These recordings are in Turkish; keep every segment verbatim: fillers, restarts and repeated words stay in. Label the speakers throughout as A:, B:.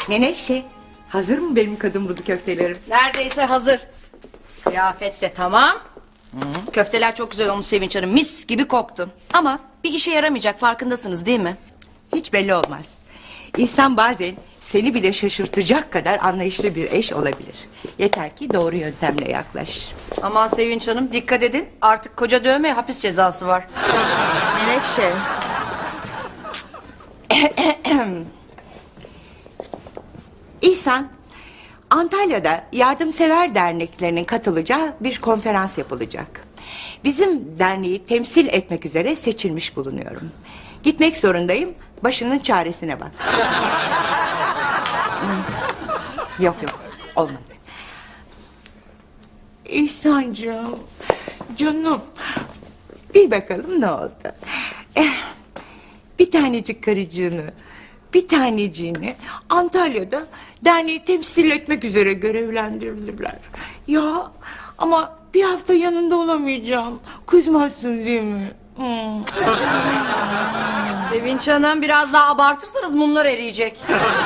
A: Menekşe, hazır mı benim kadın budu köftelerim?
B: Neredeyse hazır. Kıyafet de tamam. Hı-hı. Köfteler çok güzel olmuş Sevinç Hanım. Mis gibi koktu. Ama bir işe yaramayacak, farkındasınız değil mi?
A: Hiç belli olmaz. İnsan bazen seni bile şaşırtacak kadar anlayışlı bir eş olabilir. Yeter ki doğru yöntemle yaklaş.
B: Aman Sevinç Hanım, dikkat edin. Artık koca dövmeye hapis cezası var.
A: Menekşe. İhsan, Antalya'da yardımsever derneklerinin katılacağı bir konferans yapılacak. Bizim derneği temsil etmek üzere seçilmiş bulunuyorum. Gitmek zorundayım, başının çaresine bak. Hmm. Yok yok, olmadı. İhsancığım, canım, bir bakalım ne oldu. Eh, bir tanecik karıcığını, bir taneciğini Antalya'da derneği temsil etmek üzere görevlendirdiler. Ya ama bir hafta yanında olamayacağım. Kızmazsın değil mi? Hmm.
B: Sevinç Hanım, biraz daha abartırsanız mumlar eriyecek.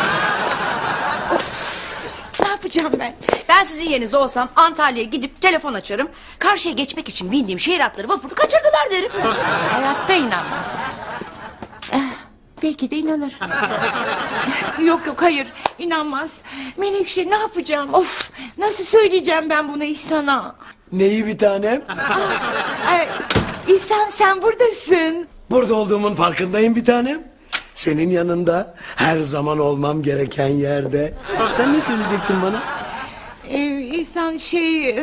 A: Ne yapacağım ben?
B: Ben sizin yerinizde olsam Antalya'ya gidip telefon açarım. Karşıya geçmek için bindiğim şehir hatları vapuru kaçırdılar derim.
A: Hayatta inanmaz. Eh, belki de inanır. Yok yok, hayır, inanmaz. Menekşe, ne yapacağım? Of, nasıl söyleyeceğim ben bunu İhsan'a?
C: Neyi bir tanem?
A: Ay, İhsan, sen buradasın.
C: Burada olduğumun farkındayım bir tanem. Senin yanında her zaman olmam gereken yerde. Sen ne söyleyecektin bana?
A: Ee, İhsan şey...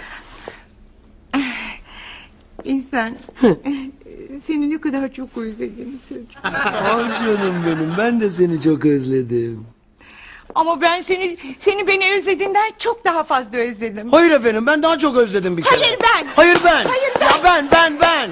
A: İhsan... Seni ne kadar çok özlediğimi söyleyeceğim.
C: Ah canım benim, ben de seni çok özledim.
A: Ama ben seni seni beni özlediğinden çok daha fazla özledim.
C: Hayır efendim, ben daha çok özledim bir kere.
A: Hayır ben.
C: Hayır ben.
A: Hayır ben.
C: Ya ben ben ben.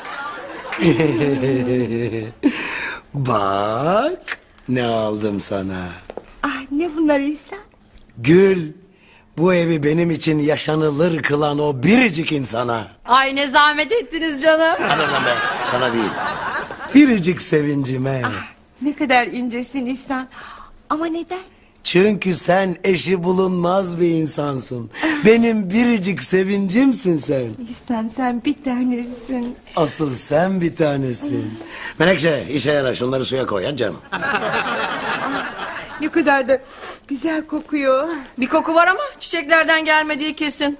C: Bak ne aldım sana.
A: Ah, ne bunlar İhsan?
C: Gül. Bu evi benim için yaşanılır kılan o biricik insana.
B: Ay ne zahmet ettiniz canım.
C: Hadi lan be, sana değil. Biricik sevincime.
A: Ah, ne kadar incesin İhsan. Ama neden?
C: Çünkü sen eşi bulunmaz bir insansın. Benim biricik sevincimsin sen.
A: İhsan, sen bir tanesin.
C: Asıl sen bir tanesin. Menekşe, işe yarar, şunları suya koy ya canım.
A: Ne kadar da güzel kokuyor.
B: Bir koku var ama çiçeklerden gelmediği kesin.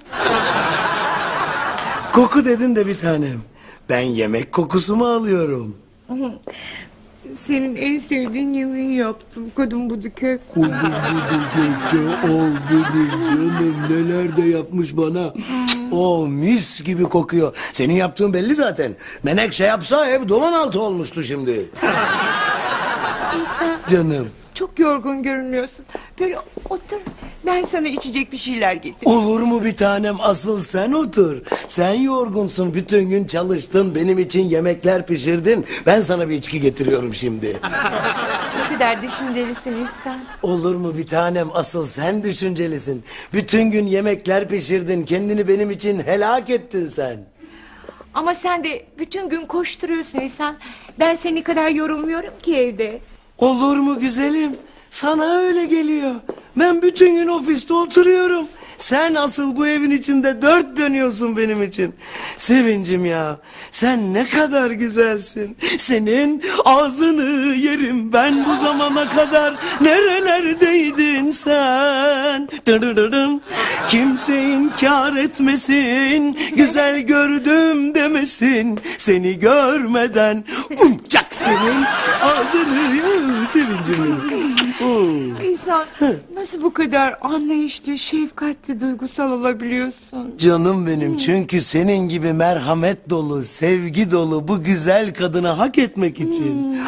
C: Koku dedin de bir tanem. Ben yemek kokusu mu alıyorum?
A: Senin en sevdiğin yemeği yaptım. Kadın budu köfte.
C: Kudu budu köfte, oh benim canım, neler de yapmış bana. Oh, mis gibi kokuyor. Senin yaptığın belli zaten. Menekşe yapsa ev duman altı olmuştu şimdi.
A: İhsan,
C: Canım.
A: çok yorgun görünüyorsun. Böyle otur, ben sana içecek bir şeyler getireyim.
C: Olur mu bir tanem, asıl sen otur. Sen yorgunsun, bütün gün çalıştın, benim için yemekler pişirdin. Ben sana bir içki getiriyorum şimdi.
A: Ne kadar düşüncelisin İhsan.
C: Olur mu bir tanem, asıl sen düşüncelisin. Bütün gün yemekler pişirdin, kendini benim için helak ettin sen.
A: Ama sen de bütün gün koşturuyorsun İhsan. Ben seni kadar yorulmuyorum ki evde.
C: Olur mu güzelim? Sana öyle geliyor. Ben bütün gün ofiste oturuyorum. Sen asıl bu evin içinde dört dönüyorsun benim için. Sevincim ya. Sen ne kadar güzelsin. Senin ağzını yerim ben bu zamana kadar. Nerelerdeydin sen? Dırırırım. Kimse inkar etmesin. Güzel gördüm demesin. Seni görmeden umcak senin ağzını yerim sevincim. Oh.
A: İhsan, nasıl bu kadar anlayışlı, şefkatli, duygusal olabiliyorsun?
C: Canım benim, çünkü senin gibi merhamet dolu, sevgi dolu bu güzel kadını hak etmek için.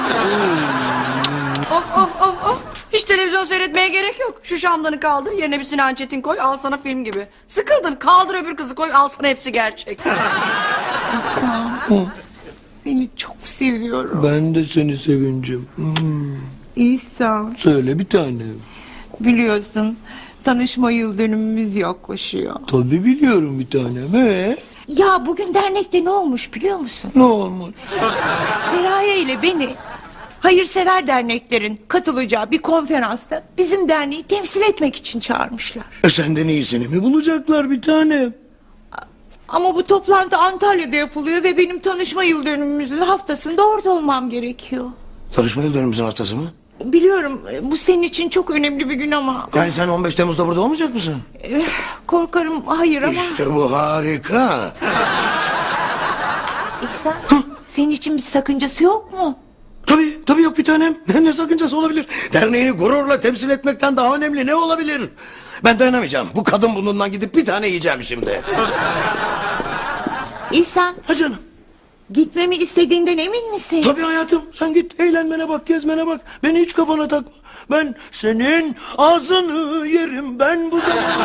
B: Of of of of. Hiç televizyon seyretmeye gerek yok. Şu şamdanı kaldır, yerine bir Sinan Çetin koy, al sana film gibi. Sıkıldın, kaldır öbür kızı koy, al sana hepsi gerçek.
A: İhsan, seni çok seviyorum.
C: Ben de seni sevincim. Hmm.
A: İhsan,
C: Söyle bir tanem.
A: biliyorsun tanışma yıl dönümümüz yaklaşıyor.
C: Tabii biliyorum bir tanem. Ee?
A: Ya bugün dernekte ne olmuş biliyor musun?
C: Ne olmuş?
A: Feraye ile beni hayırsever derneklerin katılacağı bir konferansta bizim derneği temsil etmek için çağırmışlar.
C: E senden iyisini mi bulacaklar bir tanem?
A: Ama bu toplantı Antalya'da yapılıyor ve benim tanışma yıl dönümümüzün haftasında orada olmam gerekiyor.
C: Tanışma yıl dönümümüzün haftası mı?
A: Biliyorum bu senin için çok önemli bir gün ama
C: Yani sen on beş Temmuz'da burada olmayacak mısın?
A: eh, korkarım hayır ama.
C: İşte bu harika.
A: İhsan, senin için bir sakıncası yok mu?
C: Tabii, tabii yok bir tanem. Ne, ne sakıncası olabilir? Derneğini gururla temsil etmekten daha önemli ne olabilir? Ben dayanamayacağım. Bu kadın burnundan gidip bir tane yiyeceğim şimdi.
A: İhsan,
C: Ha canım.
A: gitmemi istediğinden emin misin?
C: Tabii hayatım. Sen git eğlenmene bak, gezmene bak. Beni hiç kafana takma. Ben senin ağzını yerim ben bu zamana.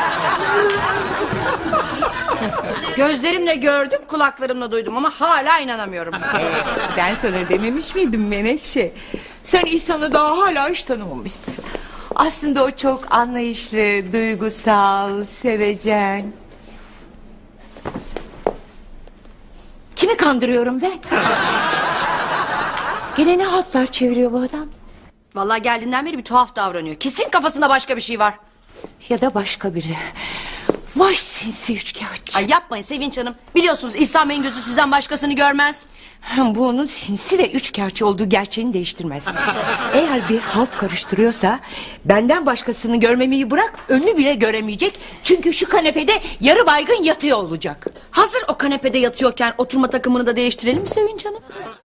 B: Gözlerimle gördüm, kulaklarımla duydum ama hala inanamıyorum.
A: Ben sana dememiş miydim Menekşe? Sen İhsan'ı daha hala hiç tanımamışsın. Aslında o çok anlayışlı, duygusal, sevecen. Kimi kandırıyorum ben? Gene ne hatlar çeviriyor bu adam?
B: Vallahi geldiğinden beri bir tuhaf davranıyor. Kesin kafasında başka bir şey var.
A: Ya da başka biri. Vay sinsi üçkağıtçı.
B: Ay yapmayın Sevinç Hanım. Biliyorsunuz İhsan Bey'in gözü sizden başkasını görmez.
A: Bu onun sinsi ve üçkağıtçı olduğu gerçeğini değiştirmez. Eğer bir halt karıştırıyorsa benden başkasını görmemeyi bırak, önünü bile göremeyecek. Çünkü şu kanepede yarı baygın yatıyor olacak.
B: Hazır o kanepede yatıyorken oturma takımını da değiştirelim mi Sevinç Hanım?